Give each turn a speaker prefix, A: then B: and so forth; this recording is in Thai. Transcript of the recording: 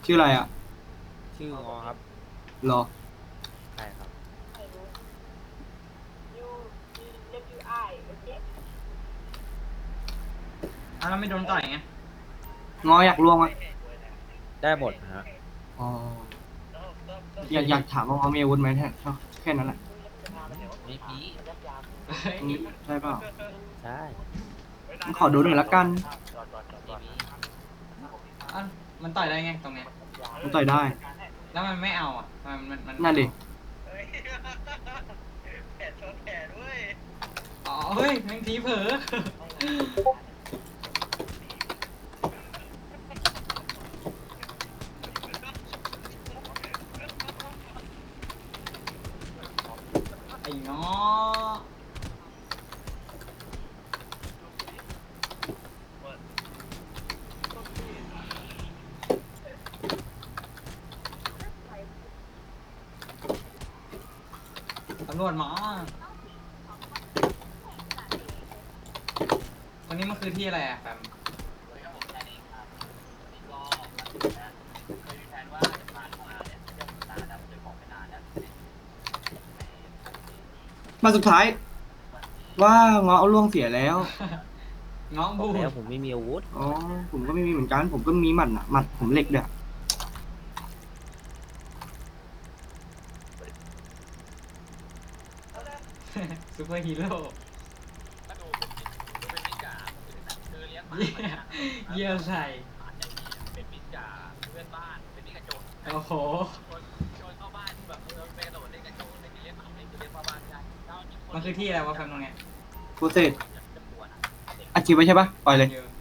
A: ชื่ออะไรอ่ะ
B: ชื่องอครับ
A: รอ
B: ใช่ครับ
C: แล้วไม่โดนต่อยไง
A: งออยากลวงอ่ะ
B: ได้หมดฮะ
A: อ๋ออยากถามว่างอมีอาวุธไหมแค่นั้นแหละ
B: ไม่มี
A: อืมใช่เปล่า
B: ใช่
A: ขอดูหน่อยละกัน
B: ไม่มี
C: อ่ะมันต่อยได้ไงตรงเนี้ย
A: มันต่อยได้
C: แล้วมันไม่เอาอ่ะมัน
A: นั่นดิ
C: อ๋อเฮ้ยแมงทีเผลอไอ้ง้อตำรวจมาวันนี้มันคือที่อะไรอ่ะแฟม
A: มาสุดท้าย ว่างอเอาล่วงเสียแล้ว
C: ง้อ
B: บ
C: บู
B: อกแล้ว
C: ด
B: ผมไม่มีอาวุธ
A: อ๋อผมก็ไม่มีเหมือนกัน ผมก็มีหมัดหมัดผมเหล็กเด้อ
C: ซูเปอร์ฮีโร่เยี่ยใส่โอ้โหมันคือที่อะไรวะแฟมตรงเนี้ย
A: โปรเซสอาชีพไว้ใช่ปะปล่อยเลย
C: เยอะ